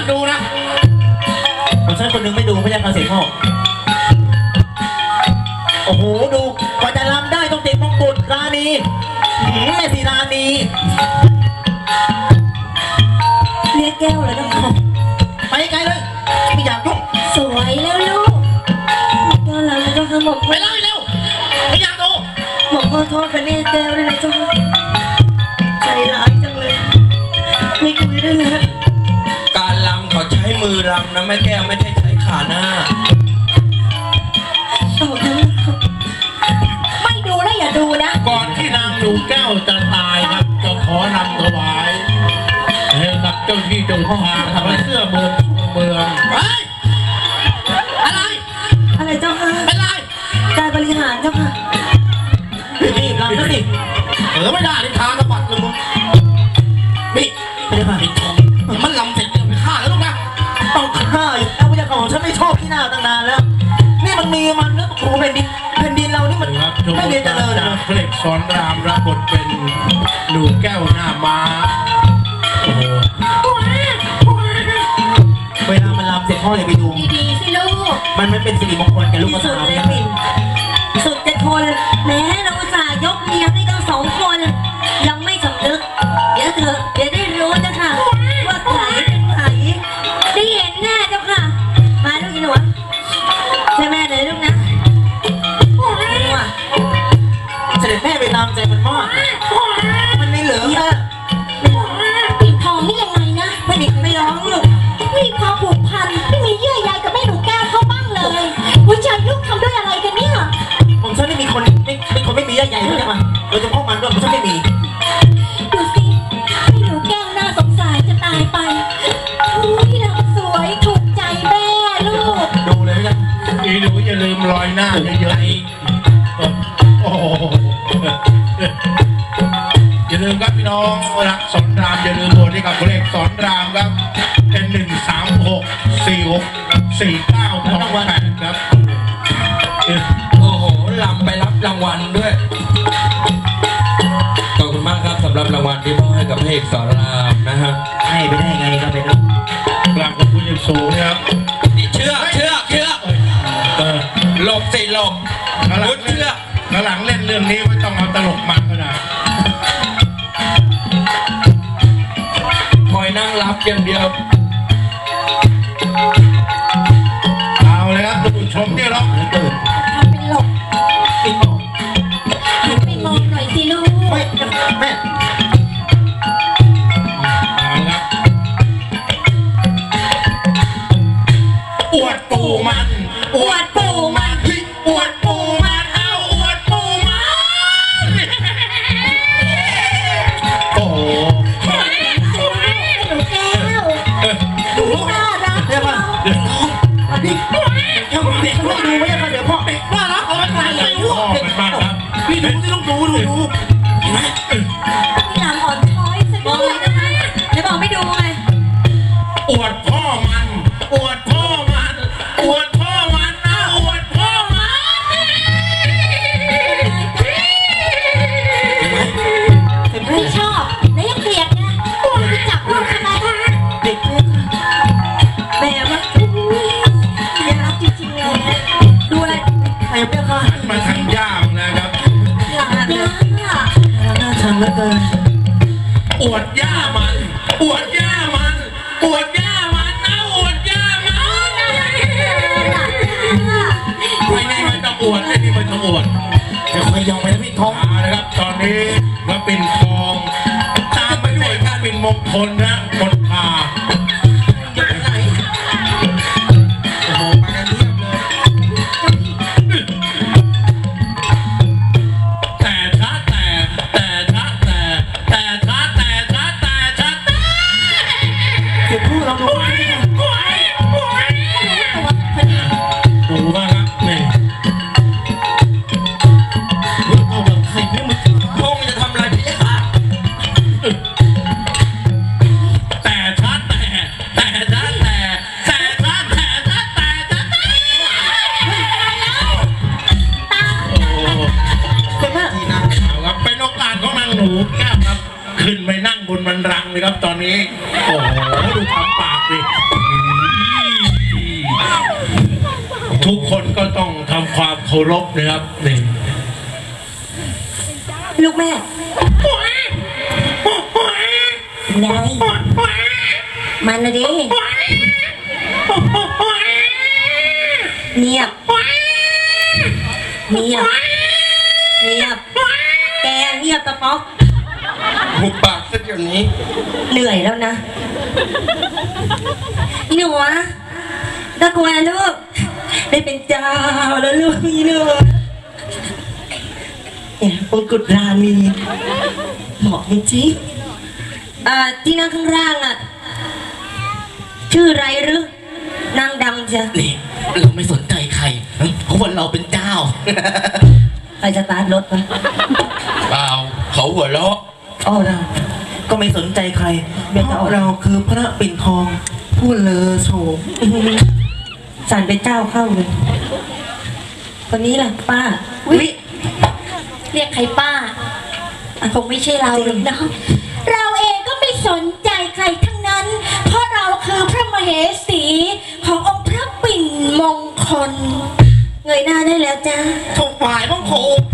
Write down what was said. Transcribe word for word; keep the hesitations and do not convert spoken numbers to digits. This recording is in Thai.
ามดูนะผมฉันคนหนึ่งไม่ดูพระยาคาเสกพ่อโอ้โหดูกว่าจะรำได้ต้องติดมงกุฎราณีแม่สีราณีเรียกแก้วเลยนะไปไกลเลยไม่อยากยุ่งสวยแล้วลูกแก้วเราเจ้าค่ะหมกไปเลยเร็วไม่อยากดูหมกขอโทษกันนี่แก้วด้วยนะเจ้าค่ะใจร้ายจังเลยไม่คุยด้วยนะการรำเขาใช้มือรำนะแม่แก้วไม่ได้ใช้ขาหน้าไม่ดูนะอย่าดูนะก่อนที่นางดูแก้วจะตายครับจะขอนำถวายให้กับเจ้าที่เจ้าทางทำเสื้อเมืองเมืองเฮ้ยอะไรอะไรเจ้าค่ะเป็นไรการบริหารเจ้าค่ะรีบรำก็สิเออไม่ได้ในทางกระปัดเลยมึงนี่ไปเลยค่ะมันลำเสร็จไปฆ่าแล้วลูกนะต้องฆ่าอยู่แล้วพระยาของฉันไม่ชอบที่หน้าตั้งนานแล้วนี่มันมีมันแล้วโอ้แผ่นดินแผ่นดินเรานี่มันไม่เรียนเจริญจากเพลงสอนรามรับบทเป็นหนูแก้วหน้าม้าโอ้โหเวลามันรำเสร็จพ่อเลยไปดูดีๆสิลูกมันไม่เป็นสิริมงคลแก่ลูกสาวเลยสุดจะทนแม้เราจะยกเมียให้ทั้งสองคนยังไม่สำนึกเดี๋ยวเถอะเดี๋ยวได้รู้นะค่ะว่าใครเป็นใครได้เห็นแน่เจ้าค่ะมาลูกอีหนูใช่แม่เลยลูกนะเสด็จแม่ไปตามใจมันมากมันไม่เหลือแค่ปิดทองนี่ยังไงนะไม่มีไม่ร้องลูกไม่มีความผูกพันไม่มีเยื่อใยกับแม่หนูแก้วเขาบ้างเลยหัวใจลูกทำด้วยอะไรกันเนี่ยผมฉันไม่มีคนไม่เป็นคนไม่มีเยื่อใยใช่ไหมโดยเฉพาะมันด้วยผมฉันไม่มีดูสิแม่หนูแก้วน่าสงสารจะตายไปที่เราสวยถูกใจแม่ลูกดูเลยนะอีหนูอย่าลืมรอยหน้าเยอะๆอีกโอ้อย่าลืมครับพี่น้องรักสอนรามอย่าลืมโหวตให้กับเลขสอนรามครับเป็นหนึ่งสามหกสี่หกสี่เก้าทองแปดครับโอ้โหลำไปรับรางวัลด้วยขอบคุณมากครับสำหรับรางวัลที่มอบให้กับเพลงสอนรามนะฮะให้ไปได้ไงก็เป็นกลางกับผู้ยิ่งสูงนะครับเชื่อเชื่อเชื่อหลบสิหลบรุดเชื่อหลังเล่นเรื่องนี้ไม่ต้องเอาตลกมันก็ได้คอยนั่งรับอย่างเดียวเอาเลยครับดูชมที่เราตื่นทำเป็นหลบปิดมองหันไปมองหน่อยสิลูกไม่แม่เอาครับอวดปูมันอวดปูมันอวดปูมันเอาอวดปูมันโอ้โหหนูแก้วดูน่ารักเดี๋ยวมาเดี๋ยวมาดิเดี๋ยวเด็กไม่ดูไม่ยังไงเดี๋ยวพ่อเด็กน่ารักเอาไปใส่เลยลูกพ่อเป็นบ้าครับพี่ดูที่ต้องดูดูดูเห็นไหมพี่หลังอ่อนช้อยสักบอกเลยนะคะเดี๋ยวบอกไม่ดูไงอวดพ่อมันอวดพ่อมันอวดพ่อมันนะอวดพ่อมันไม่ชอบแล้วยังเกลียดไงไปจับลูกทำไมเด็กแม่ว่ายังรักจริงๆเลยดูอะไรใครเปรี้ยวค่ะมาทางย่ามนะครับหลานย่าน่าชังเหลือเกินอวดย่ามันอวดย่ามันอวดย่ามันนะอวดย่ามันไม่นี่มันต้องอวดไม่นี่มันต้องอวดจะคอยยองไปแล้วพี่ท้องนะครับตอนนี้ก็เป็นทองตามไปด้วยการเป็นมงคลนะมนพาอยู่ไหนโอ้โหมากันเทียบเลยแต่ช้าแต่แต่ช้าแต่แต่ช้าแต่ช้าแต่ช้าแต่เดี๋ยวพูดเราดูดูบ้างครับนี่เอาแบบใครไม่มาพงจะทำอะไรพี่ค่ะแต่ช้าแต่แต่ช้าแต่แต่ช้าแต่ช้าแต่ช้าแต่โอ้เป็นว่าที่นั่งเอาครับเป็นโอกาสของนางหนูแก้วครับขึ้นไปนั่งบนบันลังเลยครับตอนนี้โอ้โหดูทำปากดิทุกคนก็ต้องทำความเคารพนะครับนี่ลูกแม่ไงมันนะดิเงียบเงียบเงียบแกเงียบตะป๊อกหุบปากซะเดี๋ยวนี้เหนื่อยแล้วนะอีหนูอะตะกวนลูกได้เป็นเจ้าแล้วลูกอีหนูเนี่ยมงกุฎราณีเหมาะจริงๆอ่าที่นั่งข้างล่างอ่ะชื่ออะไรหรือนางดำจ้ะนี่เราไม่สนใจใครเพราะว่าเราเป็นเจ้าใครจะตาร์ทรถวะเปล่าเขาหัวเราะอ้อเราก็ไม่สนใจใครเพราะเราคือพระปิ่นทองผู้เลอโฉมสั่นเป็นเจ้าเข้าเลยคนนี้ล่ะป้าอุ๊ย เรียกใครป้าคงไม่ใช่เราหรอกเนาะเราเองก็ไม่สนใจใครทั้งนั้น เพราะเราคือพระมเหสีขององค์พระปิ่นมงคลเงยหน้าได้แล้วจ้าถวายบังคม